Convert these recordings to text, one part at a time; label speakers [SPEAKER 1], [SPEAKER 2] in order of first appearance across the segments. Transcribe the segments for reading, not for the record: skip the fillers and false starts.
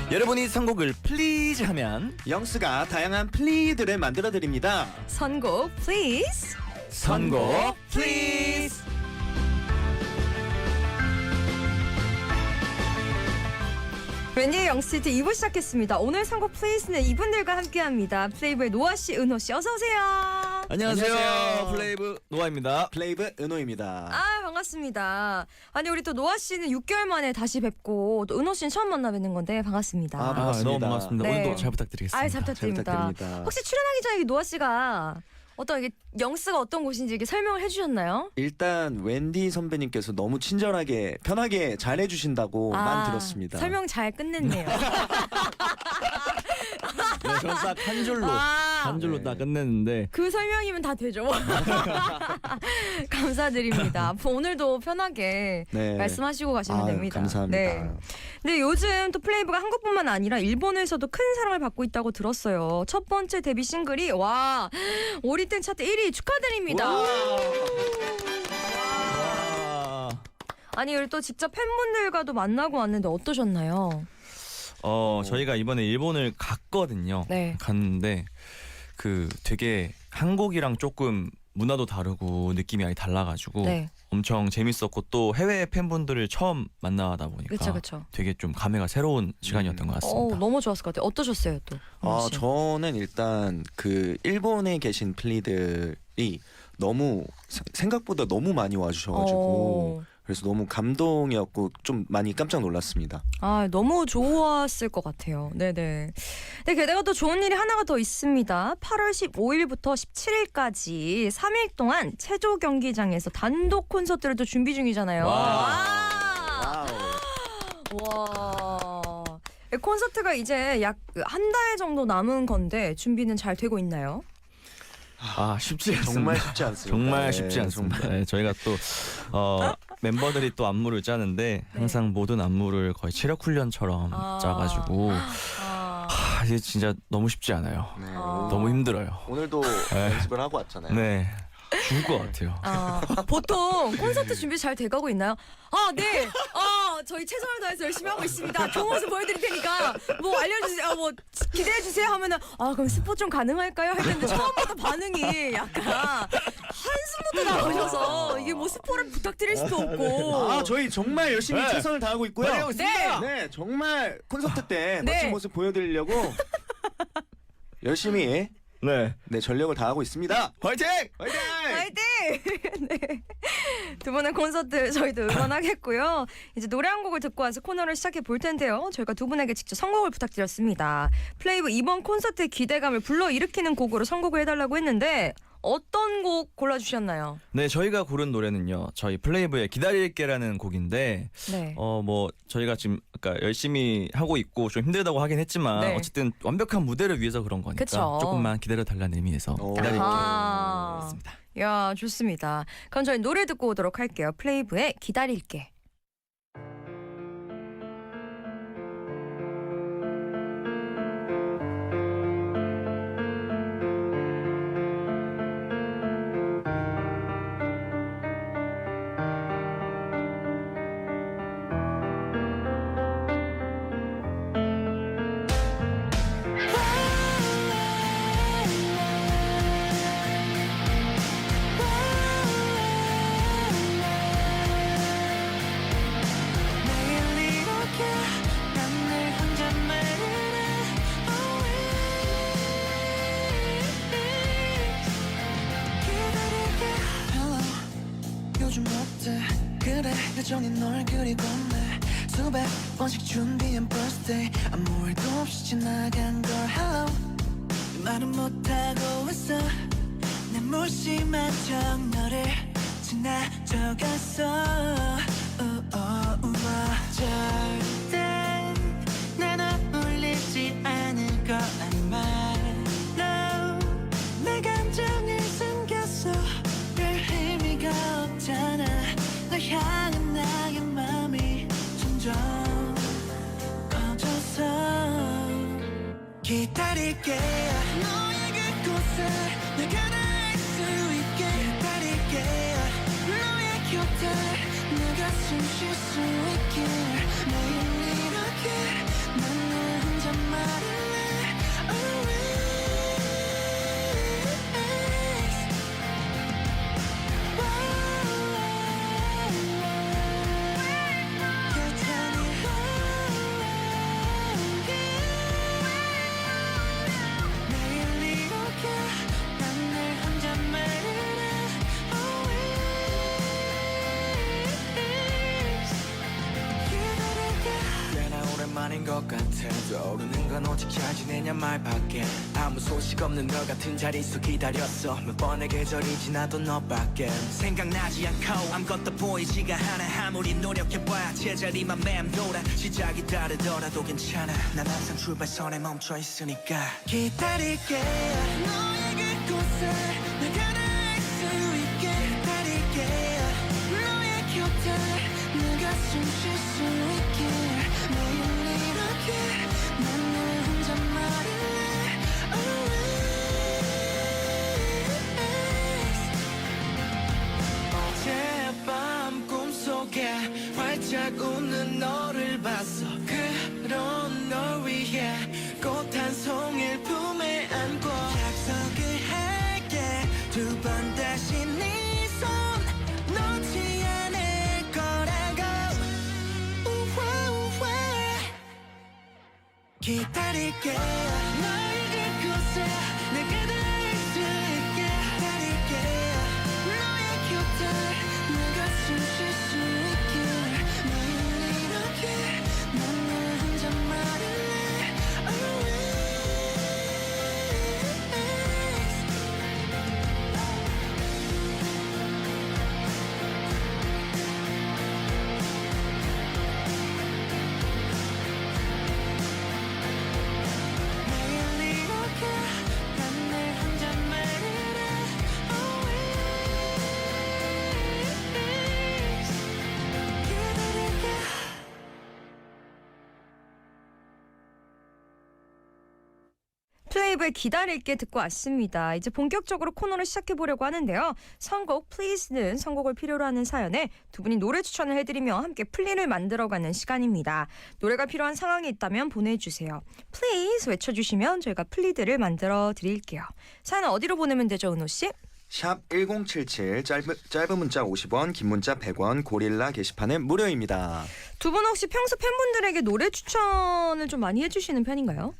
[SPEAKER 1] 여러분이 선곡을 플리즈 하면
[SPEAKER 2] 영스가 다양한 플리들을 만들어 드립니다.
[SPEAKER 3] 선곡 플리즈.
[SPEAKER 1] 선곡 플리즈.
[SPEAKER 3] 웬디의 영스트 2부 시작했습니다. 오늘 선곡 플리즈는 이분들과 함께합니다. 플레이브의 노아씨, 은호씨 어서오세요.
[SPEAKER 1] 안녕하세요.
[SPEAKER 2] 안녕하세요.
[SPEAKER 1] 플레이브 노아입니다.
[SPEAKER 2] 플레이브 은호입니다.
[SPEAKER 3] 아 반갑습니다. 아니 우리 또 노아씨는 6개월 만에 다시 뵙고 또 은호씨는 처음 만나 뵙는 건데 반갑습니다.
[SPEAKER 2] 아, 반갑습니다.
[SPEAKER 1] 너무 반갑습니다.
[SPEAKER 3] 네.
[SPEAKER 1] 오늘도 잘 부탁드리겠습니다.
[SPEAKER 3] 아이 잘 부탁드립니다.
[SPEAKER 2] 잘 부탁드립니다.
[SPEAKER 3] 혹시 출연하기 전에 노아씨가 어떤 이게 영스가 어떤 곳인지 이렇게 설명을 해주셨나요?
[SPEAKER 2] 일단 wendy 선배님께서 너무 친절하게 편하게 잘 해주신다고만 들었습니다.
[SPEAKER 3] 설명 잘 끝냈네요.
[SPEAKER 1] 네, 저는 딱 한 줄로 한 줄로
[SPEAKER 2] 네.
[SPEAKER 1] 딱 끝냈는데
[SPEAKER 3] 그 설명이면 다 되죠. 감사드립니다. 앞으로 오늘도 편하게
[SPEAKER 2] 네.
[SPEAKER 3] 말씀하시고 가시면 됩니다.
[SPEAKER 2] 감사합니다.
[SPEAKER 3] 네. 근데 요즘 또 플레이브가 한국뿐만 아니라 일본에서도 큰 사랑을 받고 있다고 들었어요. 첫 번째 데뷔 싱글이 와 오리텐 차트 1위 축하드립니다.
[SPEAKER 1] 와.
[SPEAKER 3] 아니 그리고 또 직접 팬분들과도 만나고 왔는데 어떠셨나요?
[SPEAKER 1] 저희가 이번에 일본을 갔거든요.
[SPEAKER 3] 네.
[SPEAKER 1] 갔는데 그 되게 한국이랑 조금 문화도 다르고 느낌이 아예 달라가지고
[SPEAKER 3] 네.
[SPEAKER 1] 엄청 재밌었고 또 해외 팬분들을 처음 만나다 보니까
[SPEAKER 3] 그쵸.
[SPEAKER 1] 되게 좀 감회가 새로운 시간이었던 것 같습니다.
[SPEAKER 3] 너무 좋았을 것 같아요. 어떠셨어요 또? 은호 씨?
[SPEAKER 2] 저는 일단 그 일본에 계신 플리들이 너무 생각보다 너무 많이 와주셔가지고 그래서 너무 감동이었고 좀 많이 깜짝 놀랐습니다.
[SPEAKER 3] 아 너무 좋았을 것 같아요. 네네. 네, 게다가 또 좋은 일이 하나가 더 있습니다. 8월 15일부터 17일까지 3일 동안 체조 경기장에서 단독 콘서트를 또 준비 중이잖아요.
[SPEAKER 1] 와우.
[SPEAKER 3] 와. 콘서트가 이제 약 한 달 정도 남은 건데 준비는 잘 되고 있나요?
[SPEAKER 1] 쉽지 않습니다.
[SPEAKER 2] 정말 쉽지 않습니다.
[SPEAKER 1] 정말
[SPEAKER 2] 네,
[SPEAKER 1] 쉽지 않습니다.
[SPEAKER 2] 정말.
[SPEAKER 1] 네, 저희가 또 멤버들이 또 안무를 짜는데 항상 모든 안무를 거의 체력 훈련처럼 짜가지고 이게 진짜 너무 쉽지 않아요.
[SPEAKER 2] 네,
[SPEAKER 1] 너무 힘들어요.
[SPEAKER 2] 오늘도 연습을 하고 왔잖아요.
[SPEAKER 1] 네, 죽을 것 같아요.
[SPEAKER 3] 보통 콘서트 준비 잘 돼가고 있나요? 네. 저희 최선을 다해서 열심히 하고 있습니다. 좋은 모습 보여드릴 테니까 뭐 알려주세요. 뭐 기대해주세요 하면은 그럼 스포 좀 가능할까요? 할 텐데 처음부터 반응이 약간 한숨부터 나오셔서 이게 뭐 스포를 부탁드릴 수도 없고.
[SPEAKER 2] 저희 정말 열심히
[SPEAKER 1] 네.
[SPEAKER 2] 최선을 다하고 있고요.
[SPEAKER 1] 다하고 있습니다.
[SPEAKER 2] 네, 정말 콘서트 때
[SPEAKER 3] 네.
[SPEAKER 2] 멋진 모습 보여드리려고 열심히
[SPEAKER 1] 네,
[SPEAKER 2] 전력을 다하고 있습니다.
[SPEAKER 1] 화이팅!
[SPEAKER 2] 화이팅!
[SPEAKER 3] 화이팅! 네. 두 분의 콘서트 저희도 응원하겠고요. 이제 노래 한 곡을 듣고 와서 코너를 시작해 볼 텐데요. 저희가 두 분에게 직접 선곡을 부탁드렸습니다. 플레이브 이번 콘서트의 기대감을 불러일으키는 곡으로 선곡을 해달라고 했는데 어떤 곡 골라주셨나요?
[SPEAKER 1] 네, 저희가 고른 노래는요. 저희 플레이브의 기다릴게라는 곡인데
[SPEAKER 3] 네.
[SPEAKER 1] 뭐 저희가 지금 아까 열심히 하고 있고 좀 힘들다고 하긴 했지만
[SPEAKER 3] 네.
[SPEAKER 1] 어쨌든 완벽한 무대를 위해서 그런 거니까
[SPEAKER 3] 그쵸.
[SPEAKER 1] 조금만 기다려 달라는 의미에서
[SPEAKER 2] 오.
[SPEAKER 1] 기다릴게요.
[SPEAKER 3] 아하.
[SPEAKER 1] 맞습니다.
[SPEAKER 3] 야 좋습니다. 그럼 저희 노래 듣고 오도록 할게요. 플레이브의 기다릴게.
[SPEAKER 4] 요즘 어때 그래 여전히 널 그리고 내 수백 번씩 준비한 birthday 아무 말도 없이 지나간 걸 hello 말은 못하고 있어 내 무심한 척 너를 지나쳐갔어 절대 난 울리지 않을 거란 말 No 내 감정을 숨겼어 별 의미가 없잖아 널 향한 나의 맘이 점점 커져서 기다릴게 너의 그곳에 내가 닿을 수 있게 기다릴게 너의 곁에 내가 숨 쉴 수 있게 매일 이렇게 난 널 것 같아. 떠오르는 건 오직 잘 지내냐 말밖에. 아무 소식 없는 너 같은 자릿수 기다렸어. 몇 번의 계절이 지나도 너밖에 생각나지 않고 아무것도 보이지가 않아. 아무리 노력해봐야 제자리만 맴돌아. 시작이 다르더라도 괜찮아. 난 항상 출발선에 멈춰 있으니까 기다릴게. 너의 그곳에 내가 닿을 수 있게 기다릴게. 너의 곁에 내가 숨 쉴 수 있게. 매일 이렇게 난 늘 혼자 말할래. 어젯밤 꿈속에 활짝 웃는 너를 봤어. 그런 널 위해 꽃 한 송이를 품에 안고 약속을 할게. 두 번 다시 네 손 놓지 않을 거라고. 우와 우와 기다릴게. 너의 그곳에 내가 닿을 수 있게 기다릴게. 너의 곁에 내가 숨 쉴 수 있게. 매일 이렇게 난 늘 혼자 말할래. 매일 이렇게 난 늘 혼자 말할래. 기다릴게.
[SPEAKER 3] 플레이브의 기다릴게 듣고 왔습니다. 이제 본격적으로 코너를 시작해보려고 하는데요. 선곡 Please는 선곡을 필요로 하는 사연에 두 분이 노래 추천을 해드리며 함께 플리를 만들어가는 시간입니다. 노래가 필요한 상황이 있다면 보내주세요. Please 외쳐주시면 저희가 플리들을 만들어 드릴게요. 사연은 어디로 보내면 되죠, 은호 씨?
[SPEAKER 2] 샵 1077 짧은 문자 50원 긴 문자 100원 고릴라 게시판은 무료입니다.
[SPEAKER 3] 두 분 혹시 평소 팬분들에게 노래 추천을 좀 많이 해주시는 편인가요?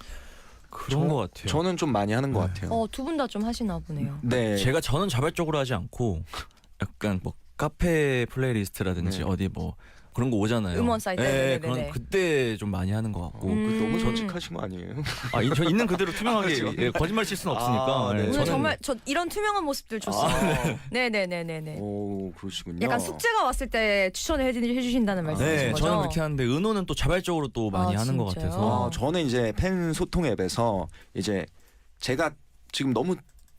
[SPEAKER 1] 그런 것 같아요.
[SPEAKER 2] 저는 좀 많이 하는 것
[SPEAKER 1] 네.
[SPEAKER 2] 같아요.
[SPEAKER 3] 두 분 다 좀 하시나 보네요.
[SPEAKER 2] 네.
[SPEAKER 1] 저는 자발적으로 하지 않고 약간 뭐 카페 플레이리스트라든지
[SPEAKER 2] 네.
[SPEAKER 1] 어디 뭐 그런 거 오잖아요.
[SPEAKER 3] 음원 사이트.
[SPEAKER 1] 네,
[SPEAKER 3] 네네네네.
[SPEAKER 1] 그런 그때 좀 많이 하는 것 같고.
[SPEAKER 2] 너무
[SPEAKER 3] 음.
[SPEAKER 2] 정직하신 거 아니에요?
[SPEAKER 1] 저 있는 그대로 투명하게
[SPEAKER 2] 그렇죠.
[SPEAKER 1] 예, 거짓말 칠 수는 없으니까.
[SPEAKER 2] 아, 네.
[SPEAKER 1] 예,
[SPEAKER 3] 오늘
[SPEAKER 1] 저는
[SPEAKER 3] 정말 저 이런 투명한 모습들 좋습니다. 네네네네네.
[SPEAKER 2] 오 그러시군요.
[SPEAKER 3] 약간 숙제가 왔을 때 추천을 해주신다는 말씀이신
[SPEAKER 1] 네,
[SPEAKER 3] 거죠?
[SPEAKER 1] 저는 그렇게 하는데 은호는 또 자발적으로 또 많이 하는 것
[SPEAKER 3] 진짜요?
[SPEAKER 1] 같아서.
[SPEAKER 2] 저는 이제 팬 소통 앱에서 이제 제가 지금 너무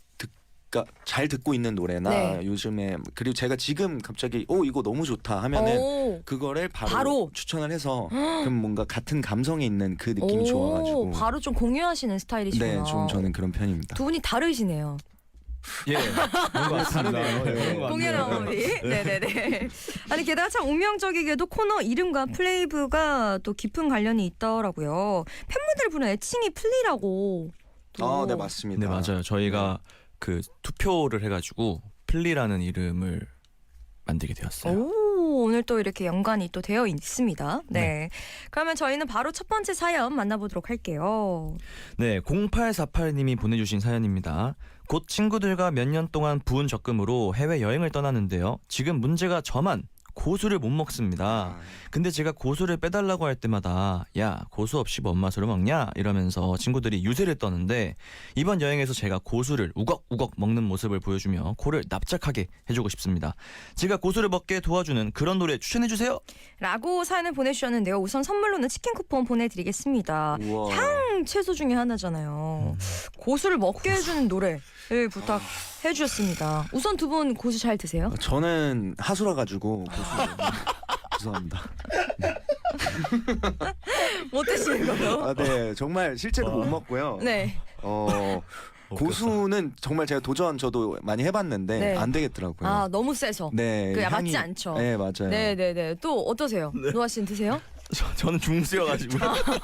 [SPEAKER 2] 잘 듣고 있는 노래나
[SPEAKER 3] 네.
[SPEAKER 2] 요즘에 그리고 제가 지금 갑자기 이거 너무 좋다 하면은
[SPEAKER 3] 오.
[SPEAKER 2] 그거를 바로,
[SPEAKER 3] 바로?
[SPEAKER 2] 추천을 해서 그럼 뭔가 같은 감성이 있는 그 느낌이 좋아가지고
[SPEAKER 3] 바로 좀 공유하시는 스타일이시구나.
[SPEAKER 2] 네, 좀 저는 그런 편입니다.
[SPEAKER 3] 두 분이 다르시네요.
[SPEAKER 1] 예, 그런 것 같습니다.
[SPEAKER 2] 다르네요. 네.
[SPEAKER 1] 그런 것
[SPEAKER 3] 공연한
[SPEAKER 1] 같네요.
[SPEAKER 3] 법이. 네네네. 아니 게다가 참 운명적이게도 코너 이름과 플레이브가 또 깊은 관련이 있더라고요. 팬분들 부르는 애칭이 플리라고. 또.
[SPEAKER 2] 네 맞습니다.
[SPEAKER 1] 네, 맞아요. 저희가 그 투표를 해가지고 플리라는 이름을 만들게 되었어요.
[SPEAKER 3] 오, 오늘 또 이렇게 연관이 또 되어 있습니다. 네. 그러면 저희는 바로 첫 번째 사연 만나보도록 할게요.
[SPEAKER 1] 네, 0848님이 보내주신 사연입니다. 곧 친구들과 몇 년 동안 부은 적금으로 해외 여행을 떠나는데요. 지금 문제가 저만 고수를 못 먹습니다. 근데 제가 고수를 빼달라고 할 때마다 야, 고수 없이 뭔 맛으로 먹냐? 이러면서 친구들이 유세를 떠는데 이번 여행에서 제가 고수를 우걱우걱 먹는 모습을 보여주며 코를 납작하게 해주고 싶습니다. 제가 고수를 먹게 도와주는 그런 노래 추천해주세요.
[SPEAKER 3] 라고 사연을 보내주셨는데요. 우선 선물로는 치킨 쿠폰 보내드리겠습니다.
[SPEAKER 2] 우와.
[SPEAKER 3] 향 채소 중에 하나잖아요. 고수를 먹게 해주는 노래를 부탁해주셨습니다. 우선 두 분 고수 잘 드세요?
[SPEAKER 2] 저는 하수라 가지고 죄송합니다.
[SPEAKER 3] 못 드시는 거요?
[SPEAKER 2] 네 정말 실제로 못 먹고요.
[SPEAKER 3] 네.
[SPEAKER 2] 고수는 정말 제가 저도 많이 해봤는데
[SPEAKER 3] 네.
[SPEAKER 2] 안 되겠더라고요.
[SPEAKER 3] 너무 세서.
[SPEAKER 2] 네,
[SPEAKER 3] 맞지 않죠?
[SPEAKER 2] 네 맞아요.
[SPEAKER 3] 네네네. 또 어떠세요? 노아 씨는 드세요?
[SPEAKER 1] 저는 중수여가지고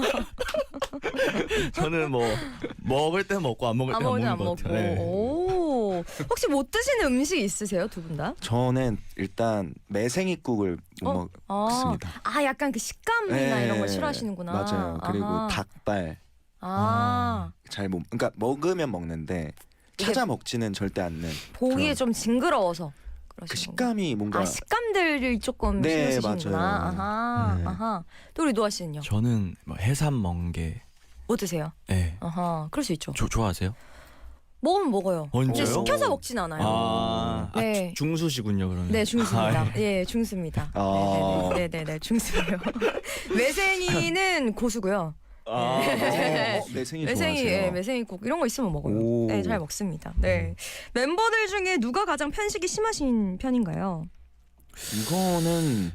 [SPEAKER 1] 저는 뭐 먹을 때 먹고 안 먹을 때 안 먹는
[SPEAKER 3] 안
[SPEAKER 1] 것
[SPEAKER 3] 먹고.
[SPEAKER 1] 같아요. 네.
[SPEAKER 3] 오. 혹시 못 드시는 음식 있으세요, 두 분 다?
[SPEAKER 2] 저는 일단 매생이국을 못 먹습니다.
[SPEAKER 3] 약간 그 식감이나
[SPEAKER 2] 네,
[SPEAKER 3] 이런 걸 싫어하시는구나.
[SPEAKER 2] 맞아요. 그리고
[SPEAKER 3] 아하.
[SPEAKER 2] 닭발
[SPEAKER 3] 아.
[SPEAKER 2] 잘 못. 그러니까 먹으면 먹는데 찾아 먹지는 절대 않는.
[SPEAKER 3] 보기에
[SPEAKER 2] 그런-
[SPEAKER 3] 좀 징그러워서.
[SPEAKER 2] 그
[SPEAKER 3] 그러시는
[SPEAKER 2] 식감이 뭔가
[SPEAKER 3] 식감들을 조금
[SPEAKER 2] 네,
[SPEAKER 3] 신경 쓰시는구나.
[SPEAKER 2] 맞아요.
[SPEAKER 3] 아하,
[SPEAKER 2] 네.
[SPEAKER 3] 아하. 또 우리 노아 씨는요?
[SPEAKER 1] 저는 뭐 해삼 멍게.
[SPEAKER 3] 뭐 드세요?
[SPEAKER 1] 네.
[SPEAKER 3] 아하, 그럴 수 있죠.
[SPEAKER 1] 좋아하세요?
[SPEAKER 3] 먹으면 먹어요.
[SPEAKER 1] 진짜요?
[SPEAKER 3] 근데 시켜서 먹진 않아요. 네.
[SPEAKER 1] 중수시군요 그러면.
[SPEAKER 3] 네, 중수입니다.
[SPEAKER 1] 아,
[SPEAKER 3] 예, 중수입니다.
[SPEAKER 2] 아.
[SPEAKER 3] 네네네, 중수예요. 매생이는 고수고요.
[SPEAKER 2] 매생이
[SPEAKER 3] 매생이,
[SPEAKER 2] 좋아하세요.
[SPEAKER 3] 예, 매생이국 이런 거 있으면 먹어요.
[SPEAKER 2] 오.
[SPEAKER 3] 네, 잘 먹습니다. 네, 멤버들 중에 누가 가장 편식이 심하신 편인가요?
[SPEAKER 2] 이거는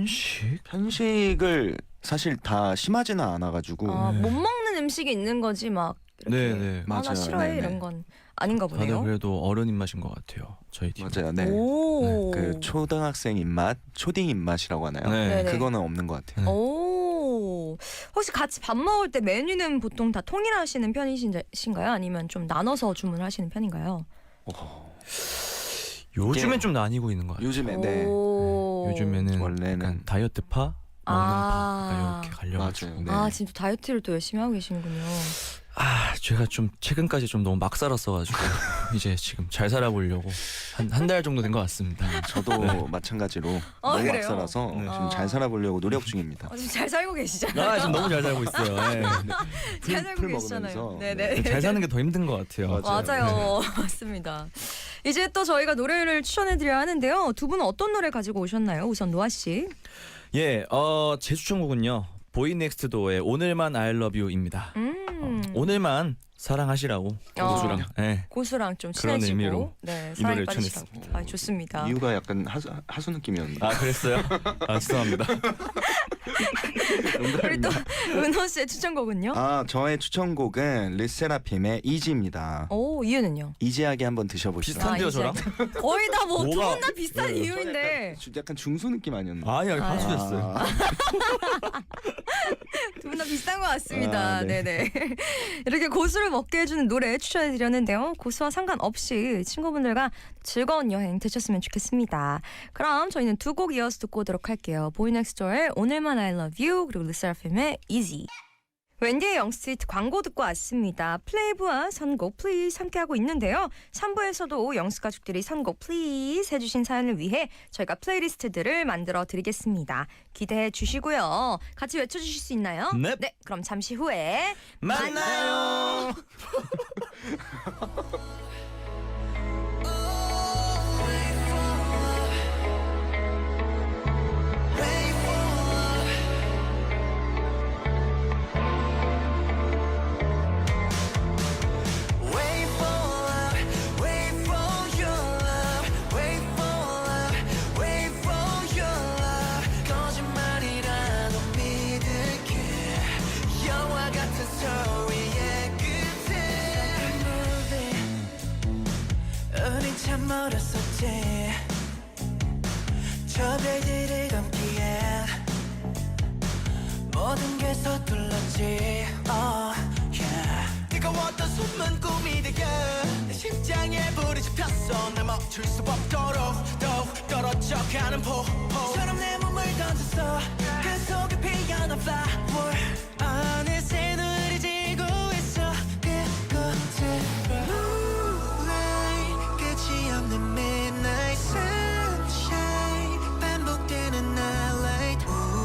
[SPEAKER 2] 편식을 사실 다 심하지는 않아가지고
[SPEAKER 3] 못 먹는 음식이 있는 거지 막 이렇게
[SPEAKER 1] 네.
[SPEAKER 3] 나
[SPEAKER 2] 맞아요.
[SPEAKER 3] 싫어해
[SPEAKER 2] 네네.
[SPEAKER 3] 이런 건 아닌가
[SPEAKER 1] 다들
[SPEAKER 3] 보네요.
[SPEAKER 1] 그래도 어른 입맛인 것 같아요. 저희 팀.
[SPEAKER 2] 맞아요. 네.
[SPEAKER 3] 오.
[SPEAKER 2] 그 초등학생 입맛, 초딩 입맛이라고 하나요?
[SPEAKER 1] 네.
[SPEAKER 3] 네네.
[SPEAKER 2] 그거는 없는 것 같아요.
[SPEAKER 3] 오. 혹시 같이 밥 먹을 때 메뉴는 보통 다 통일하시는 편이신가요? 아니면 좀 나눠서 주문하시는 편인가요?
[SPEAKER 1] 요즘엔
[SPEAKER 2] 이게-
[SPEAKER 1] 좀 나뉘고 있는 것 같아요.
[SPEAKER 2] 요즘에 네.
[SPEAKER 3] 오.
[SPEAKER 1] 요즘에는
[SPEAKER 2] 원래는-
[SPEAKER 1] 약간 다이어트파, 먹는
[SPEAKER 3] 아.
[SPEAKER 1] 파 이렇게 갈려가지고.
[SPEAKER 2] 맞아요. 네.
[SPEAKER 3] 아, 지금 다이어트를 또 열심히 하고 계시는군요.
[SPEAKER 1] 제가 좀 최근까지 좀 너무 막 살았어가지고 이제 지금 잘 살아보려고 한 달 정도 된 것 같습니다.
[SPEAKER 2] 저도
[SPEAKER 1] 네.
[SPEAKER 2] 마찬가지로
[SPEAKER 3] 아,
[SPEAKER 2] 너무
[SPEAKER 3] 그래요?
[SPEAKER 2] 막살아서
[SPEAKER 1] 네.
[SPEAKER 2] 지금 잘 살아보려고 노력 중입니다.
[SPEAKER 3] 지금 잘 살고 계시잖아요.
[SPEAKER 1] 지금 너무 잘 살고 있어요. 네.
[SPEAKER 3] 잘 살고
[SPEAKER 2] 풀
[SPEAKER 3] 계시잖아요.
[SPEAKER 2] 먹으면서.
[SPEAKER 3] 네네.
[SPEAKER 1] 잘 사는 게 더 힘든 것 같아요.
[SPEAKER 3] 맞아요. 맞습니다. 이제 또 저희가 노래를 추천해드려야 하는데요. 두 분은 어떤 노래 가지고 오셨나요? 우선 노아 씨.
[SPEAKER 1] 예, 제 추천곡은요. 보이넥스트도어의 오늘만 I Love You입니다. 오늘만 사랑하시라고 고수랑. 예.
[SPEAKER 3] 고수랑 좀
[SPEAKER 1] 그런
[SPEAKER 3] 친해지고
[SPEAKER 1] 의미로
[SPEAKER 3] 네,
[SPEAKER 1] 이
[SPEAKER 3] 사랑에
[SPEAKER 1] 노래를
[SPEAKER 3] 빠지시라고.
[SPEAKER 1] 추천했습니다.
[SPEAKER 3] 아, 좋습니다.
[SPEAKER 2] 이유가 약간 하수 느낌이었는데.
[SPEAKER 1] 그랬어요? 죄송합니다.
[SPEAKER 3] 우리 또 은호 씨의 추천곡은요?
[SPEAKER 2] 저의 추천곡은 르세라핌의 이지입니다.
[SPEAKER 3] 오, 이유는요?
[SPEAKER 2] 이지하게 한번 드셔보시죠.
[SPEAKER 1] 비슷한데요,
[SPEAKER 3] 이제
[SPEAKER 1] 저랑?
[SPEAKER 3] 거의 다 뭐 두
[SPEAKER 1] 뭐가-
[SPEAKER 3] 분 다 비슷한
[SPEAKER 2] 네,
[SPEAKER 3] 이유인데
[SPEAKER 2] 약간 중수 느낌 아니었나요?
[SPEAKER 1] 아니요, 반수됐어요.
[SPEAKER 3] 두 분 다 비슷한 것 같습니다.
[SPEAKER 2] 네.
[SPEAKER 3] 네네. 이렇게 고수를 먹게 해주는 노래 추천해드렸는데요. 고수와 상관없이 친구분들과 즐거운 여행 되셨으면 좋겠습니다. 그럼 저희는 두 곡 이어서 듣고 오도록 할게요. 보이넥스트도어의 오늘만 I Love You 그리고 르세라핌의 Easy. 웬디의 영스트리트 광고 듣고 왔습니다. 플레이브와 선곡 플리즈 함께하고 있는데요. 3부에서도 영스 가족들이 선곡 플리즈 해주신 사연을 위해 저희가 플레이리스트들을 만들어 드리겠습니다. 기대해 주시고요. 같이 외쳐주실 수 있나요?
[SPEAKER 1] 넵.
[SPEAKER 3] 네, 그럼 잠시 후에
[SPEAKER 1] 만나요.
[SPEAKER 4] Wait for love, wait for your love, wait for love, wait for your love. 거짓말이라도 믿을게. 영화 같은 스토리의 끝에 우린 참 멀었었지. 저 별들을 감기에 모든 게 서툴렀지. Oh yeah. 뜨거웠던 숨은 꿈이 되게 내 심장에 불이 지폈어. 날 멈출 수 없도록 더욱 떨어져가는 폭포처럼 내 몸을 던졌어. 그 속에 피어난 flower 어느새 눈이 지고 있어. 그곳으로 Moonlight 끝이 없는 midnight sunshine 반복되는 nightlight.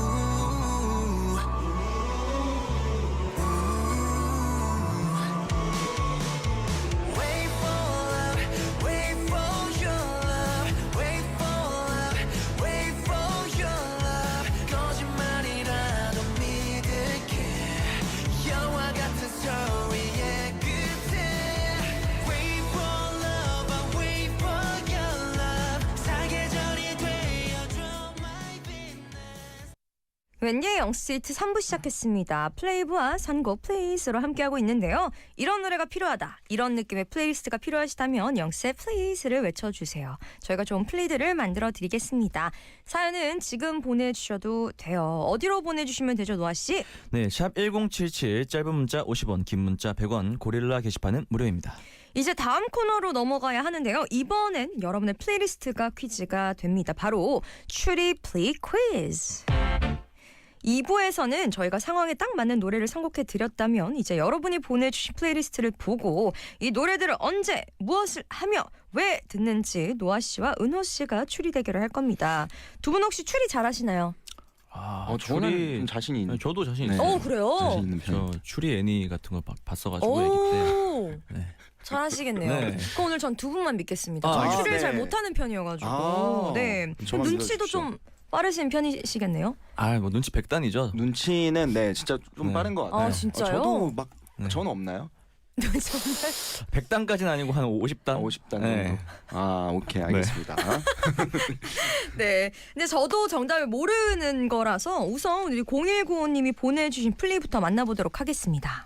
[SPEAKER 4] Wait for love, wait for your love, wait for love, wait for your love. 거짓말이라도 믿을게. 영화 같은 스토리의 끝에 Wait for love, I wait for your love. 사계절이 되어줘 my business.
[SPEAKER 3] 웬디의 영스트리트 3부 시작했습니다. 플레이브와 선곡 플레이스로 함께하고 있는데요. 이런 노래가 필요하다. 이런 느낌의 플레이리스트가 필요하시다면 영스의 플레이스를 외쳐주세요. 저희가 좋은 플레이들을 만들어 드리겠습니다. 사연은 지금 보내주셔도 돼요. 어디로 보내주시면 되죠, 노아씨?
[SPEAKER 1] 네, 샵 1077 짧은 문자 50원, 긴 문자 100원, 고릴라 게시판은 무료입니다.
[SPEAKER 3] 이제 다음 코너로 넘어가야 하는데요. 이번엔 여러분의 플레이리스트가 퀴즈가 됩니다. 바로 추리 플리 퀴즈. 2부에서는 저희가 상황에 딱 맞는 노래를 선곡해 드렸다면 이제 여러분이 보내주신 플레이리스트를 보고 이 노래들을 언제 무엇을 하며 왜 듣는지 노아 씨와 은호 씨가 추리 대결을 할 겁니다. 두 분 혹시 추리 잘하시나요?
[SPEAKER 2] 저는 좀 자신이 있는.
[SPEAKER 1] 저도 자신
[SPEAKER 2] 네.
[SPEAKER 1] 있어요.
[SPEAKER 3] 그래요?
[SPEAKER 2] 자신 있는
[SPEAKER 1] 저
[SPEAKER 2] 편.
[SPEAKER 1] 추리 애니 같은 거 봤어가지고 애기 때.
[SPEAKER 3] 오,
[SPEAKER 1] 네.
[SPEAKER 3] 잘하시겠네요.
[SPEAKER 1] 네.
[SPEAKER 3] 그럼 오늘 전 두 분만 믿겠습니다.
[SPEAKER 1] 아,
[SPEAKER 3] 저는
[SPEAKER 2] 알겠습니다.
[SPEAKER 3] 추리를 잘
[SPEAKER 2] 네.
[SPEAKER 3] 못하는 편이어가지고.
[SPEAKER 2] 아,
[SPEAKER 3] 네.
[SPEAKER 2] 저만
[SPEAKER 3] 눈치도
[SPEAKER 2] 믿어주십시오.
[SPEAKER 3] 좀 빠르신 편이시겠네요.
[SPEAKER 1] 뭐 눈치 백단이죠.
[SPEAKER 2] 눈치는 네 진짜 좀
[SPEAKER 1] 네.
[SPEAKER 2] 빠른 것 같아요.
[SPEAKER 3] 아, 진짜요?
[SPEAKER 2] 저도 막
[SPEAKER 1] 네.
[SPEAKER 2] 저는 없나요?
[SPEAKER 3] 정말.
[SPEAKER 1] 100단까지는 아니고 한 50단.
[SPEAKER 2] 50단 정도.
[SPEAKER 1] 네.
[SPEAKER 2] 아 오케이 알겠습니다.
[SPEAKER 3] 네. 근데 저도 정답을 모르는 거라서 우선 우리 0195님이 보내주신 플레이부터 만나보도록 하겠습니다.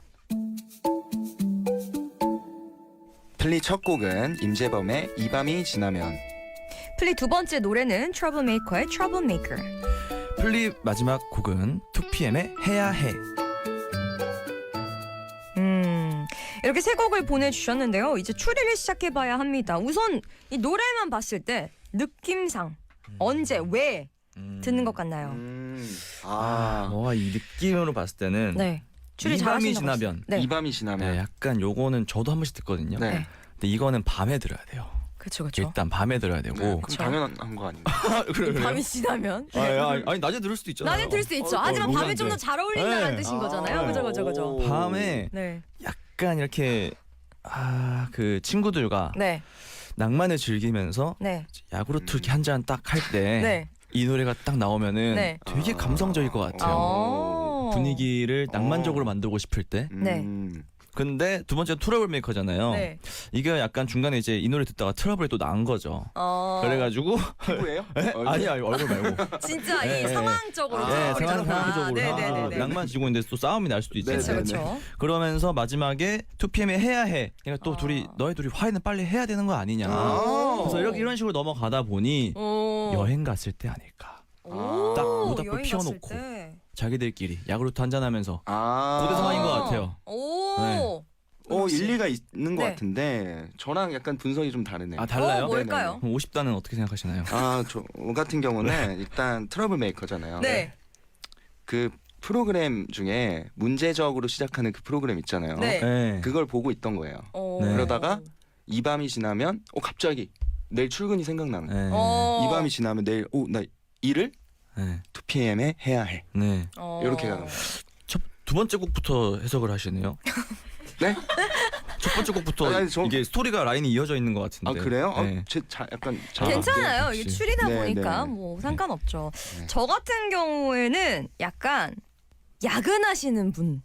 [SPEAKER 2] 플리 첫 곡은 임재범의 이 밤이 지나면.
[SPEAKER 3] 플레이 두 번째 노래는 Troublemaker의 Troublemaker.
[SPEAKER 1] 플립 마지막 곡은 2PM의 해야 해.
[SPEAKER 3] 이렇게 세 곡을 보내주셨는데요. 이제 추리를 시작해봐야 합니다. 우선 이 노래만 봤을 때 느낌상 언제 왜 듣는 것 같나요?
[SPEAKER 1] 이 느낌으로 봤을 때는
[SPEAKER 3] 네. 추리
[SPEAKER 1] 이 밤이
[SPEAKER 3] 잘하신다고
[SPEAKER 1] 지나면.
[SPEAKER 3] 하셨- 네.
[SPEAKER 2] 이 밤이 지나면.
[SPEAKER 1] 네, 약간 요거는 저도 한 번씩 듣거든요.
[SPEAKER 2] 네.
[SPEAKER 3] 네.
[SPEAKER 1] 근데 이거는 밤에 들어야 돼요.
[SPEAKER 3] 그쵸.
[SPEAKER 1] 일단 밤에 들어야 되고.
[SPEAKER 2] 네, 그럼
[SPEAKER 3] 그쵸.
[SPEAKER 2] 당연한 거 아닌가?
[SPEAKER 1] 그래
[SPEAKER 3] 밤이 지나면
[SPEAKER 1] 아니 낮에 들을 수도 있잖아요.
[SPEAKER 3] 낮에 들을 수 있죠. 하지만 밤에 좀 더 잘 어울린다는
[SPEAKER 1] 네.
[SPEAKER 3] 뜻인 거잖아요. 그죠.
[SPEAKER 1] 밤에
[SPEAKER 3] 네.
[SPEAKER 1] 약간 이렇게 그 친구들과
[SPEAKER 3] 네.
[SPEAKER 1] 낭만을 즐기면서
[SPEAKER 3] 네.
[SPEAKER 1] 야구르트 이렇게 한 잔 딱 할 때 이
[SPEAKER 3] 네.
[SPEAKER 1] 노래가 딱 나오면은
[SPEAKER 3] 네.
[SPEAKER 1] 되게 감성적일 것 같아요. 분위기를 낭만적으로 만들고 싶을 때.
[SPEAKER 3] 네.
[SPEAKER 1] 근데 두 번째 트러블 메이커잖아요.
[SPEAKER 3] 네.
[SPEAKER 1] 이게 약간 중간에 이제 이 노래 듣다가 트러블이 또 난 거죠. 그래가지고
[SPEAKER 2] 피부예요?
[SPEAKER 1] 아니야 얼굴 말고.
[SPEAKER 3] 진짜 이
[SPEAKER 1] 네.
[SPEAKER 3] 상황적으로
[SPEAKER 2] 아,
[SPEAKER 1] 상황적으로
[SPEAKER 3] 네네네.
[SPEAKER 1] 낭만 지고 있는데 또 싸움이 날 수도 있잖아요.
[SPEAKER 2] 네,
[SPEAKER 3] 그렇죠.
[SPEAKER 2] 네,
[SPEAKER 3] 그렇죠.
[SPEAKER 1] 그러면서 마지막에 2PM의 해야 해. 그러니까 또
[SPEAKER 3] 아.
[SPEAKER 1] 너희 둘이 화해는 빨리 해야 되는 거 아니냐.
[SPEAKER 2] 아.
[SPEAKER 1] 그래서 이런 식으로 넘어가다 보니
[SPEAKER 3] 오.
[SPEAKER 1] 여행 갔을 때 아닐까.
[SPEAKER 3] 오.
[SPEAKER 1] 딱 모닥불
[SPEAKER 3] 여행
[SPEAKER 1] 피워놓고.
[SPEAKER 3] 갔을 때.
[SPEAKER 1] 자기들끼리 야구르트 한잔하면서
[SPEAKER 2] 아.
[SPEAKER 1] 고대 상황인 것 같아요.
[SPEAKER 3] 오.
[SPEAKER 1] 네.
[SPEAKER 2] 일리가 있는 것
[SPEAKER 3] 네.
[SPEAKER 2] 같은데 저랑 약간 분석이 좀 다르네요.
[SPEAKER 1] 달라요?
[SPEAKER 3] 뭘까요?
[SPEAKER 1] 그럼 50단은 어떻게 생각하시나요?
[SPEAKER 2] 저 같은 경우는 일단 트러블 메이커잖아요.
[SPEAKER 3] 네.
[SPEAKER 2] 그 프로그램 중에 문제적으로 시작하는 그 프로그램 있잖아요.
[SPEAKER 3] 네.
[SPEAKER 1] 네.
[SPEAKER 2] 그걸 보고 있던 거예요.
[SPEAKER 3] 오.
[SPEAKER 1] 네.
[SPEAKER 2] 그러다가 이 밤이 지나면 갑자기 내일 출근이 생각나는 거예요.
[SPEAKER 1] 네.
[SPEAKER 2] 이 밤이 지나면 내일 나 일을
[SPEAKER 1] 네.
[SPEAKER 2] 2PM에 해야 해.
[SPEAKER 1] 네.
[SPEAKER 2] 이렇게 가는 거예요.
[SPEAKER 1] 두 번째 곡부터 해석을 하시네요.
[SPEAKER 2] 네?
[SPEAKER 1] 첫 번째 곡부터
[SPEAKER 2] 아니,
[SPEAKER 1] 이게 스토리가 라인이 이어져 있는 것 같은데.
[SPEAKER 2] 아 그래요?
[SPEAKER 1] 네.
[SPEAKER 2] 약간
[SPEAKER 3] 괜찮아요.
[SPEAKER 1] 역시.
[SPEAKER 3] 이게 추리다
[SPEAKER 2] 네,
[SPEAKER 3] 보니까
[SPEAKER 2] 네.
[SPEAKER 3] 뭐 상관없죠.
[SPEAKER 2] 네.
[SPEAKER 3] 저 같은 경우에는 약간 야근하시는 분.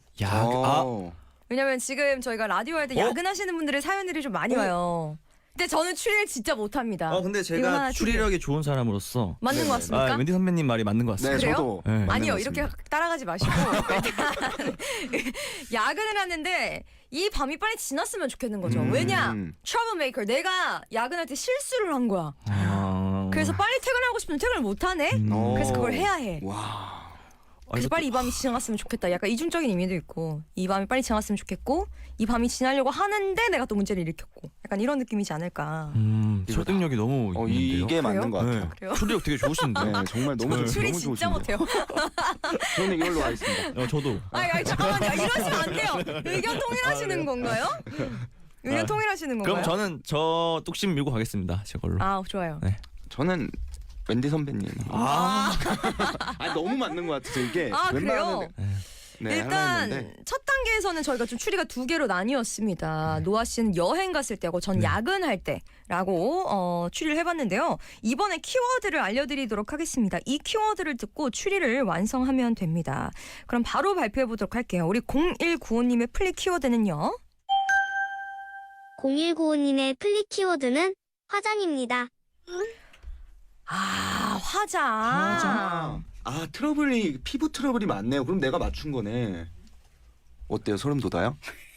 [SPEAKER 3] 왜냐면 지금 저희가 라디오 할 때 야근하시는 분들의 사연들이 좀 많이 와요. 근데 저는 추리를 진짜 못합니다.
[SPEAKER 1] 근데
[SPEAKER 3] 이거 하나
[SPEAKER 1] 제가 추리력이 좋은 사람으로서
[SPEAKER 3] 맞는
[SPEAKER 2] 네네.
[SPEAKER 3] 것 같습니까?
[SPEAKER 1] wendy 선배님 말이 맞는 것
[SPEAKER 2] 네,
[SPEAKER 1] 같습니다.
[SPEAKER 3] 그래요?
[SPEAKER 2] 저도
[SPEAKER 1] 네.
[SPEAKER 2] 맞는
[SPEAKER 3] 아니요,
[SPEAKER 2] 것
[SPEAKER 3] 이렇게
[SPEAKER 2] 같습니다.
[SPEAKER 3] 따라가지 마시고 일단 야근을 하는데 이 밤이 빨리 지났으면 좋겠는 거죠. 왜냐? 트러블메이커 내가 야근할 때 실수를 한 거야. 그래서 빨리 퇴근하고 싶으면 퇴근을 못 하네. 그래서 그걸 해야 해.
[SPEAKER 2] 와.
[SPEAKER 3] 그래서 빨리 이 밤이 지나갔으면 좋겠다. 약간 이중적인 의미도 있고 이 밤이 빨리 지나갔으면 좋겠고 이 밤이 지나려고 하는데 내가 또 문제를 일으켰고 약간 이런 느낌이지 않을까.
[SPEAKER 1] 설득력이 너무 있는데요.
[SPEAKER 2] 이게 맞는 것 같아요.
[SPEAKER 3] 그래요?
[SPEAKER 1] 추리력 되게 좋으신데.
[SPEAKER 2] 네, 정말 너무
[SPEAKER 3] 추리
[SPEAKER 2] 너무
[SPEAKER 3] 진짜
[SPEAKER 2] 좋으신데요.
[SPEAKER 3] 못해요.
[SPEAKER 2] 저는 이걸로 하겠습니다.
[SPEAKER 1] 저도.
[SPEAKER 3] 아니 잠깐만요. 이러시면 안 돼요. 의견 통일하시는 건가요? 의견 통일하시는 건가요?
[SPEAKER 1] 그럼 저는 저 뚝심 밀고 가겠습니다. 제 걸로.
[SPEAKER 3] 좋아요.
[SPEAKER 1] 네.
[SPEAKER 2] 저는 웬디 선배님. 너무 맞는 것 같아서 이게.
[SPEAKER 3] 그래요?
[SPEAKER 2] 네, 하려
[SPEAKER 3] 일단
[SPEAKER 2] 했는데.
[SPEAKER 3] 첫 단계에서는 저희가 좀 추리가 두 개로 나뉘었습니다. 노아 씨는 여행 갔을 때고 전 야근할 때라고 추리를 해봤는데요. 이번에 키워드를 알려드리도록 하겠습니다. 이 키워드를 듣고 추리를 완성하면 됩니다. 그럼 바로 발표해 보도록 할게요. 우리 0195님의 플리 키워드는요.
[SPEAKER 5] 0195님의 플리 키워드는 화장입니다.
[SPEAKER 3] 화장.
[SPEAKER 2] 트러블이 피부 트러블이 많네요. 그럼 내가 맞춘 거네. 어때요? 소름 돋아요?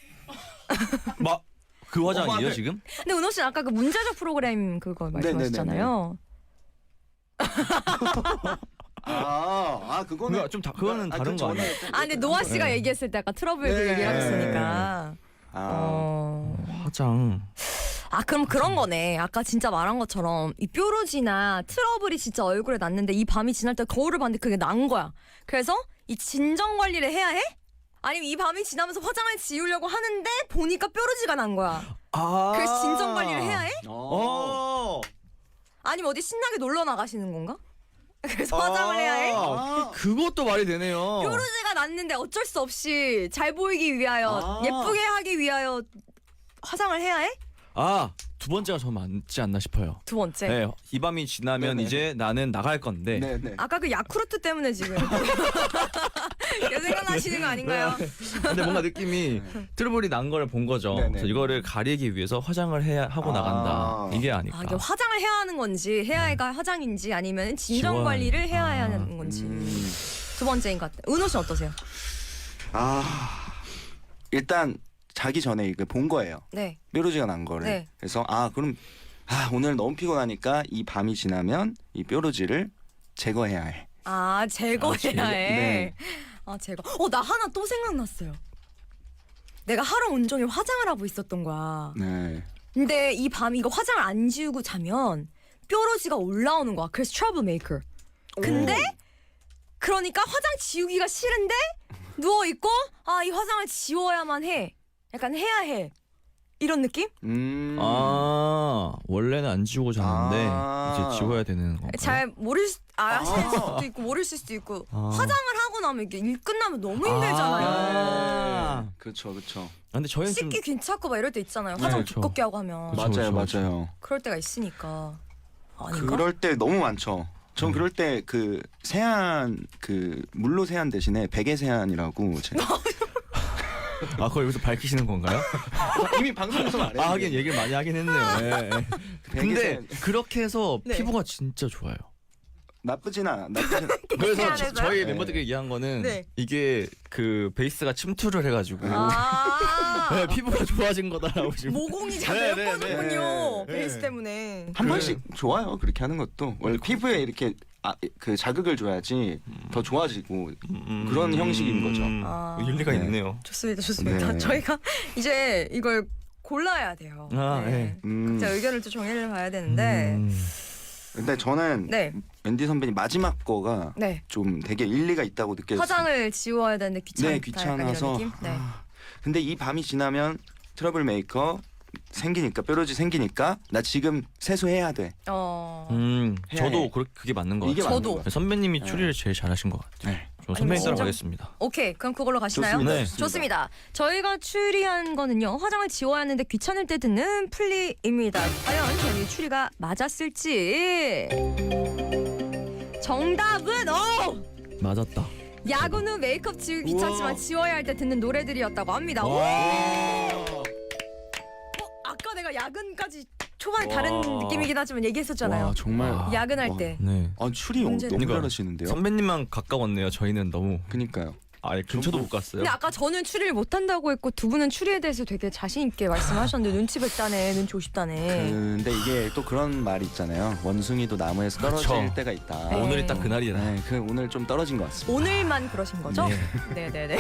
[SPEAKER 1] 그 화장이에요
[SPEAKER 2] 네.
[SPEAKER 1] 지금?
[SPEAKER 3] 근데 은호 씨는 아까 그 문제적 프로그램 그거 말씀하셨잖아요.
[SPEAKER 2] 그거는
[SPEAKER 1] 그거는 다른 거 아니에요?
[SPEAKER 3] 근데 노아 씨가 얘기했을 때 아까 트러블 그
[SPEAKER 2] 네.
[SPEAKER 3] 얘기를 하셨으니까.
[SPEAKER 1] 화장.
[SPEAKER 3] 그럼 그런 거네. 아까 진짜 말한 것처럼 이 뾰루지나 트러블이 진짜 얼굴에 났는데 이 밤이 지날 때 거울을 봤는데 그게 난 거야. 그래서 이 진정 관리를 해야 해? 아니면 이 밤이 지나면서 화장을 지우려고 하는데 보니까 뾰루지가 난 거야.
[SPEAKER 1] 아.
[SPEAKER 3] 그래서 진정 관리를 해야 해?
[SPEAKER 1] 어.
[SPEAKER 3] 아니면 어디 신나게 놀러 나가시는 건가? 그래서 화장을 해야 해?
[SPEAKER 1] 그것도 말이 되네요.
[SPEAKER 3] 뾰루지가 났는데 어쩔 수 없이 잘 보이기 위하여 예쁘게 하기 위하여 화장을 해야 해?
[SPEAKER 1] 두 번째가 저 맞지 않나 싶어요.
[SPEAKER 3] 두 번째.
[SPEAKER 1] 네, 이 밤이 지나면
[SPEAKER 2] 네네.
[SPEAKER 1] 이제 나는 나갈 건데.
[SPEAKER 2] 네네.
[SPEAKER 3] 아까 그 야쿠르트 때문에 지금 계속 생각나시는 거 아닌가요?
[SPEAKER 1] 근데 뭔가 느낌이 트러블이 난 걸 본 거죠.
[SPEAKER 2] 네네.
[SPEAKER 1] 그래서 이거를 가리기 위해서 화장을 해야 하고 나간다. 이게 아닐까.
[SPEAKER 3] 이게 화장을 해야 하는 건지 해야 해가 화장인지 아니면 진정
[SPEAKER 1] 지워야
[SPEAKER 3] 관리를 해야
[SPEAKER 1] 아.
[SPEAKER 3] 하는 건지 두 번째인 것 같아요. 은호 씨 어떠세요?
[SPEAKER 2] 일단 자기 전에 이거 본 거예요.
[SPEAKER 3] 네.
[SPEAKER 2] 뾰루지가 난 거를.
[SPEAKER 3] 네.
[SPEAKER 2] 그래서 그럼 오늘 너무 피곤하니까 이 밤이 지나면 이 뾰루지를 제거해야 해.
[SPEAKER 3] 제거해야
[SPEAKER 1] 제거?
[SPEAKER 3] 해.
[SPEAKER 2] 네.
[SPEAKER 3] 제거. 나 하나 또 생각났어요. 내가 하루 온종일 화장을 하고 있었던 거야.
[SPEAKER 2] 네.
[SPEAKER 3] 근데 이 밤 이거 화장을 안 지우고 자면 뾰루지가 올라오는 거야. 그래서 트러블 메이커. 근데 그러니까 화장 지우기가 싫은데 누워 있고 이 화장을 지워야만 해. 약간 해야 해. 이런 느낌?
[SPEAKER 1] 원래는 안 지우고 잤는데 이제 지워야 되는 건가요?
[SPEAKER 3] 잘 아실 수도 있고 모르실 수도 있고 화장을 하고 나면 이게 일 끝나면 너무 힘들잖아요.
[SPEAKER 2] 그렇죠, 그렇죠.
[SPEAKER 1] 근데 저희는 좀
[SPEAKER 3] 씻기 귀찮고 막 이럴 때 있잖아요. 화장
[SPEAKER 1] 그렇죠.
[SPEAKER 3] 두껍게 하고 하면
[SPEAKER 1] 그쵸,
[SPEAKER 2] 맞아요,
[SPEAKER 1] 그쵸.
[SPEAKER 2] 맞아요.
[SPEAKER 3] 그럴 때가 있으니까 아닌가?
[SPEAKER 2] 그럴 때 너무 많죠. 전 그럴 때 그 세안 물로 세안 대신에 베개 세안이라고 제가
[SPEAKER 1] 그걸 여기서 밝히시는 건가요?
[SPEAKER 2] 이미 방송에서 말했는데.
[SPEAKER 1] 하긴 얘기를 많이 하긴 했네요. 예, 예. 근데 그렇게 해서
[SPEAKER 3] 네.
[SPEAKER 1] 피부가 진짜 좋아요.
[SPEAKER 2] 나쁘진 않아.
[SPEAKER 1] 그래서
[SPEAKER 3] 세안해서요?
[SPEAKER 1] 저희
[SPEAKER 2] 네.
[SPEAKER 1] 멤버들끼리 얘기한 거는
[SPEAKER 3] 네.
[SPEAKER 1] 이게 그 베이스가 침투를 해가지고 네, 피부가 좋아진 거다라고 지금.
[SPEAKER 3] 모공이 잘
[SPEAKER 1] 네,
[SPEAKER 3] 메워지는군요.
[SPEAKER 1] 네.
[SPEAKER 3] 베이스 때문에.
[SPEAKER 2] 한 번씩 좋아요. 그렇게 하는 것도 원래 피부에 이렇게 그 자극을 줘야지 더 좋아지고 그런 형식인 거죠.
[SPEAKER 1] 일리가
[SPEAKER 2] 네.
[SPEAKER 1] 있네요.
[SPEAKER 3] 좋습니다, 좋습니다.
[SPEAKER 2] 네.
[SPEAKER 3] 저희가 이제 이걸 골라야 돼요.
[SPEAKER 1] 네.
[SPEAKER 3] 자 의견을 또 정리를 봐야 되는데,
[SPEAKER 2] 근데 저는
[SPEAKER 3] 네,
[SPEAKER 2] 앤디 선배님 마지막 거가
[SPEAKER 3] 네.
[SPEAKER 2] 좀 되게 일리가 있다고 느껴졌어요.
[SPEAKER 3] 화장을 지워야 되는데 귀찮다.
[SPEAKER 2] 네,
[SPEAKER 3] 약간
[SPEAKER 2] 귀찮아서.
[SPEAKER 3] 이런 느낌? 네.
[SPEAKER 2] 근데 이 밤이 지나면 트러블 메이커 생기니까 뾰루지 생기니까 나 지금 세수해야 돼. 해야
[SPEAKER 1] 저도
[SPEAKER 2] 해.
[SPEAKER 1] 그게 맞는 것
[SPEAKER 2] 이게
[SPEAKER 1] 같아요.
[SPEAKER 3] 저도.
[SPEAKER 2] 맞는 거.
[SPEAKER 1] 선배님이
[SPEAKER 2] 네.
[SPEAKER 1] 추리를 제일 잘하신 것 같아요.
[SPEAKER 2] 네.
[SPEAKER 1] 저 선배님
[SPEAKER 3] 진짜?
[SPEAKER 1] 따라가겠습니다.
[SPEAKER 3] 오케이, 그럼 그걸로 가시나요?
[SPEAKER 2] 좋습니다.
[SPEAKER 1] 네.
[SPEAKER 3] 좋습니다. 저희가 추리한 거는요. 화장을 지워야 하는데 귀찮을 때 듣는 플리입니다. 과연 저희 추리가 맞았을지. 정답은
[SPEAKER 1] 맞았다.
[SPEAKER 3] 야근 후 메이크업 지우기 귀찮지만
[SPEAKER 2] 우와.
[SPEAKER 3] 지워야 할 때 듣는 노래들이었다고 합니다.
[SPEAKER 1] 와.
[SPEAKER 3] 아까 내가 야근까지 초반에 다른
[SPEAKER 1] 와.
[SPEAKER 3] 느낌이긴 하지만 얘기했었잖아요.
[SPEAKER 2] 와 정말.
[SPEAKER 1] 와.
[SPEAKER 3] 야근할
[SPEAKER 2] 와.
[SPEAKER 3] 때.
[SPEAKER 1] 네.
[SPEAKER 2] 추리
[SPEAKER 3] 문제는-
[SPEAKER 2] 너무
[SPEAKER 1] 그러니까
[SPEAKER 2] 잘하시는데요.
[SPEAKER 1] 선배님만 가까웠네요. 저희는 너무
[SPEAKER 2] 그니까요.
[SPEAKER 1] 근처도 못 갔어요.
[SPEAKER 3] 근데 아까 저는 추리를 못한다고 했고 두 분은 추리에 대해서 되게 자신 있게 말씀하셨는데 눈치 뱉다네, 눈치 오십다네.
[SPEAKER 2] 근데 이게 또 그런 말이 있잖아요. 원숭이도 나무에서 떨어질
[SPEAKER 1] 그쵸.
[SPEAKER 2] 때가 있다.
[SPEAKER 3] 네.
[SPEAKER 1] 오늘이 딱 그날이다.
[SPEAKER 2] 네, 오늘 좀 떨어진 것 같습니다.
[SPEAKER 3] 오늘만 그러신 거죠?
[SPEAKER 1] 네.
[SPEAKER 3] 네네네.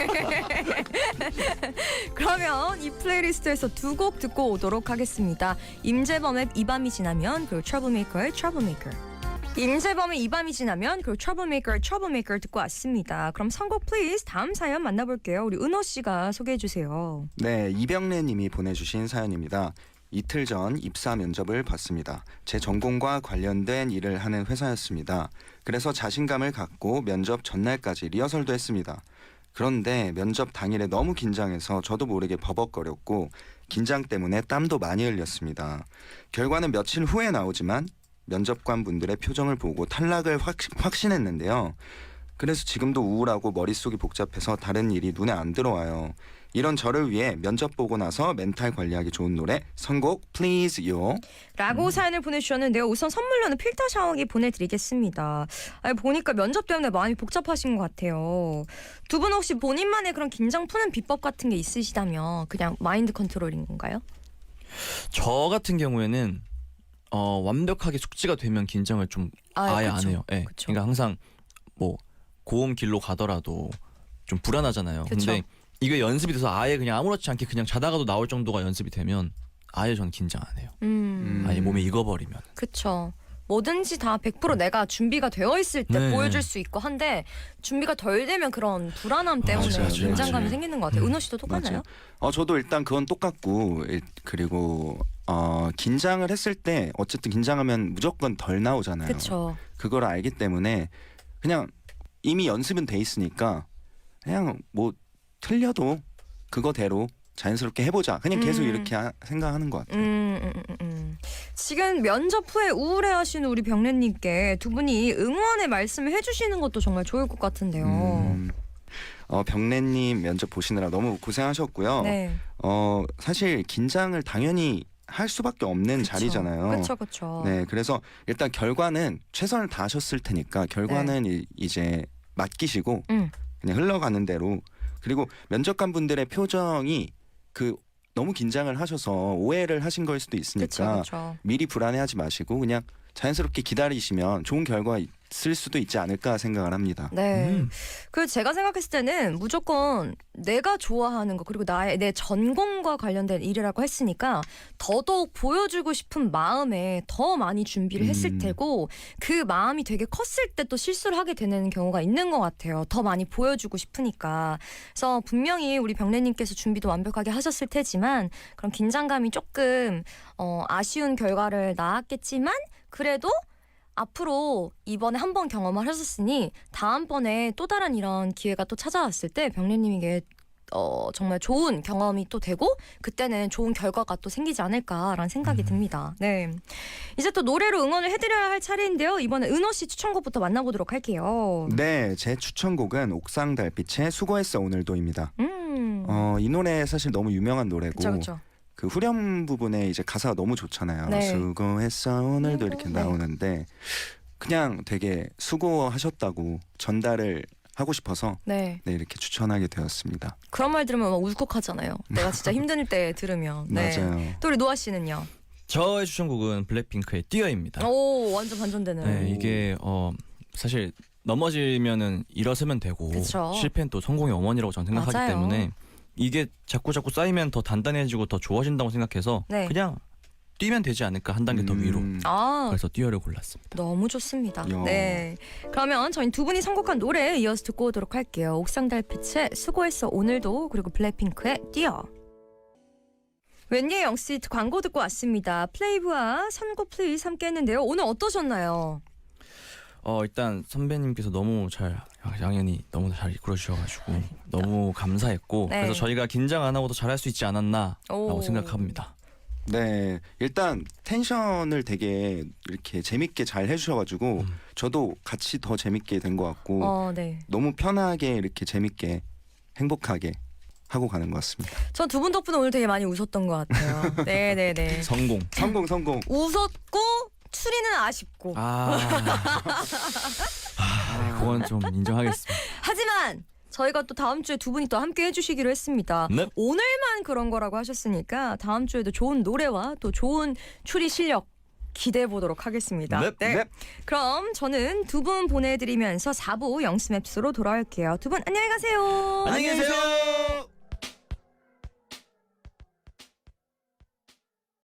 [SPEAKER 3] 그러면 이 플레이리스트에서 두 곡 듣고 오도록 하겠습니다. 임재범의 이 밤이 지나면 그리고 트러블메이커의 트러블메이커. 임재범의 이 밤이 지나면 그리고 트러블메이커의 트러블메이커 듣고 왔습니다. 그럼 선곡 플리즈 다음 사연 만나볼게요. 우리 은호 씨가 소개해 주세요.
[SPEAKER 2] 네, 이병래 님이 보내주신 사연입니다. 이틀 전 입사 면접을 봤습니다. 제 전공과 관련된 일을 하는 회사였습니다. 그래서 자신감을 갖고 면접 전날까지 리허설도 했습니다. 그런데 면접 당일에 너무 긴장해서 저도 모르게 버벅거렸고 긴장 때문에 땀도 많이 흘렸습니다. 결과는 며칠 후에 나오지만 면접관 분들의 표정을 보고 탈락을 확신했는데요. 그래서 지금도 우울하고 머릿속이 복잡해서 다른 일이 눈에 안 들어와요. 이런 저를 위해 면접 보고 나서 멘탈 관리하기 좋은 노래 선곡 플리즈요.
[SPEAKER 3] 라고 사연을 보내주셨는데요. 우선 선물로는 필터 샤워기 보내드리겠습니다. 보니까 면접 때문에 마음이 복잡하신 것 같아요. 두 분 혹시 본인만의 그런 긴장 푸는 비법 같은 게 있으시다면 그냥 마인드 컨트롤인 건가요?
[SPEAKER 1] 저 같은 경우에는 완벽하게 숙지가 되면 긴장을 좀 아예
[SPEAKER 3] 그쵸.
[SPEAKER 1] 안 해요. 예.
[SPEAKER 3] 그쵸.
[SPEAKER 1] 그러니까 항상 뭐 고음 길로 가더라도 좀 불안하잖아요.
[SPEAKER 3] 그쵸.
[SPEAKER 1] 근데 이게 연습이 돼서 아예 그냥 아무렇지 않게 그냥 자다가도 나올 정도가 연습이 되면 아예 전 긴장 안 해요. 아예 몸에 익어버리면.
[SPEAKER 3] 그쵸. 뭐든지 다 100% 내가 준비가 되어 있을 때
[SPEAKER 1] 네.
[SPEAKER 3] 보여줄 수 있고 한데 준비가 덜 되면 그런 불안함 때문에
[SPEAKER 2] 맞아요,
[SPEAKER 3] 긴장감이
[SPEAKER 2] 맞아요.
[SPEAKER 3] 생기는 것 같아요. 은호 씨도 똑같나요?
[SPEAKER 2] 저도 일단 그건 똑같고 그리고 긴장을 했을 때 어쨌든 긴장하면 무조건 덜 나오잖아요.
[SPEAKER 3] 그렇죠.
[SPEAKER 2] 그걸 알기 때문에 그냥 이미 연습은 돼 있으니까 그냥 뭐 틀려도 그거대로 자연스럽게 해보자. 그냥 계속 이렇게 생각하는 것 같아요.
[SPEAKER 3] 지금 면접 후에 우울해하시는 우리 병래님께 두 분이 응원의 말씀을 해주시는 것도 정말 좋을 것 같은데요.
[SPEAKER 2] 병래님 면접 보시느라 너무 고생하셨고요.
[SPEAKER 3] 네.
[SPEAKER 2] 사실 긴장을 당연히 할 수밖에 없는 자리잖아요.
[SPEAKER 3] 그렇죠.
[SPEAKER 2] 네, 그래서 일단 결과는 최선을 다하셨을 테니까 결과는 이제 맡기시고 그냥 흘러가는 대로. 그리고 면접관 분들의 표정이 너무 긴장을 하셔서 오해를 하신 걸 수도 있으니까
[SPEAKER 3] 그렇죠.
[SPEAKER 2] 미리 불안해하지 마시고 그냥 자연스럽게 기다리시면 좋은 결과 있을 수도 있지 않을까 생각을 합니다.
[SPEAKER 3] 네. 그 제가 생각했을 때는 무조건 내가 좋아하는 거 그리고 내 전공과 관련된 일이라고 했으니까 더더욱 보여주고 싶은 마음에 더 많이 준비를 했을 테고 그 마음이 되게 컸을 때 또 실수를 하게 되는 경우가 있는 것 같아요. 더 많이 보여주고 싶으니까. 그래서 분명히 우리 병래님께서 준비도 완벽하게 하셨을 테지만 그런 긴장감이 조금 아쉬운 결과를 낳았겠지만 그래도 앞으로 이번에 한 번 경험을 하셨으니 다음번에 또 다른 이런 기회가 또 찾아왔을 때 병래님에게 정말 좋은 경험이 또 되고 그때는 좋은 결과가 또 생기지 않을까라는 생각이 듭니다. 네, 이제 또 노래로 응원을 해드려야 할 차례인데요. 이번에 은호 씨 추천곡부터 만나보도록 할게요.
[SPEAKER 2] 네, 제 추천곡은 옥상 달빛의 수고했어 오늘도입니다. 이 노래 사실 너무 유명한 노래고
[SPEAKER 3] 그렇죠.
[SPEAKER 2] 그 후렴 부분에 이제 가사가 너무 좋잖아요.
[SPEAKER 3] 네.
[SPEAKER 2] 수고했어 오늘도 이렇게
[SPEAKER 3] 네.
[SPEAKER 2] 나오는데 그냥 되게 수고하셨다고 전달을 하고 싶어서
[SPEAKER 3] 네,
[SPEAKER 2] 이렇게 추천하게 되었습니다.
[SPEAKER 3] 그런 말 들으면 막 울컥하잖아요. 내가 진짜 힘들 때 들으면. 네.
[SPEAKER 2] 맞아요.
[SPEAKER 3] 또 우리 노아 씨는요?
[SPEAKER 1] 저의 추천곡은 블랙핑크의 뛰어입니다.
[SPEAKER 3] 오, 완전 반전되는.
[SPEAKER 1] 네, 이게 사실 넘어지면은 일어서면 되고
[SPEAKER 3] 그쵸.
[SPEAKER 1] 실패는 또 성공의 어머니라고 저는 생각하기
[SPEAKER 3] 맞아요.
[SPEAKER 1] 때문에 이게 자꾸 쌓이면 더 단단해지고 더 좋아진다고 생각해서
[SPEAKER 3] 네.
[SPEAKER 1] 그냥 뛰면 되지 않을까 한 단계 더 위로.
[SPEAKER 3] 아,
[SPEAKER 1] 그래서 뛰어를 골랐습니다.
[SPEAKER 3] 너무 좋습니다.
[SPEAKER 2] 야.
[SPEAKER 3] 네. 그러면 저희 두 분이 선곡한 노래 이어서 듣고 오도록 할게요. 옥상 달빛의 수고했어 오늘도 그리고 블랙핑크의 뛰어. 웬예 영씨 광고 듣고 왔습니다. 플레이브와 선곡 플리즈 함께 했는데요. 오늘 어떠셨나요?
[SPEAKER 1] 일단 선배님께서 너무 양현이 너무 잘 이끌어 주셔가지고 너무 감사했고
[SPEAKER 3] 네.
[SPEAKER 1] 그래서 저희가 긴장 안 하고도 잘할 수 있지 않았나라고
[SPEAKER 3] 오.
[SPEAKER 1] 생각합니다.
[SPEAKER 2] 네, 일단 텐션을 되게 이렇게 재밌게 잘 해주셔가지고 저도 같이 더 재밌게 된 것 같고
[SPEAKER 3] 네.
[SPEAKER 2] 너무 편하게 이렇게 재밌게 행복하게 하고 가는 것 같습니다.
[SPEAKER 3] 전 두 분 덕분에 오늘 되게 많이 웃었던 것 같아요. 네네네.
[SPEAKER 1] 성공.
[SPEAKER 2] 성공.
[SPEAKER 3] 웃었고 추리는 아쉽고.
[SPEAKER 1] 그건 좀 인정하겠습니다.
[SPEAKER 3] 하지만 저희가 또 다음 주에 두 분이 또 함께 해주시기로 했습니다.
[SPEAKER 1] 네.
[SPEAKER 3] 오늘만 그런 거라고 하셨으니까 다음 주에도 좋은 노래와 또 좋은 추리 실력 기대해 보도록 하겠습니다.
[SPEAKER 1] 네.
[SPEAKER 3] 그럼 저는 두 분 보내드리면서 4부 영스맵스로 돌아올게요. 두 분 안녕히 가세요.
[SPEAKER 1] 안녕히 계세요.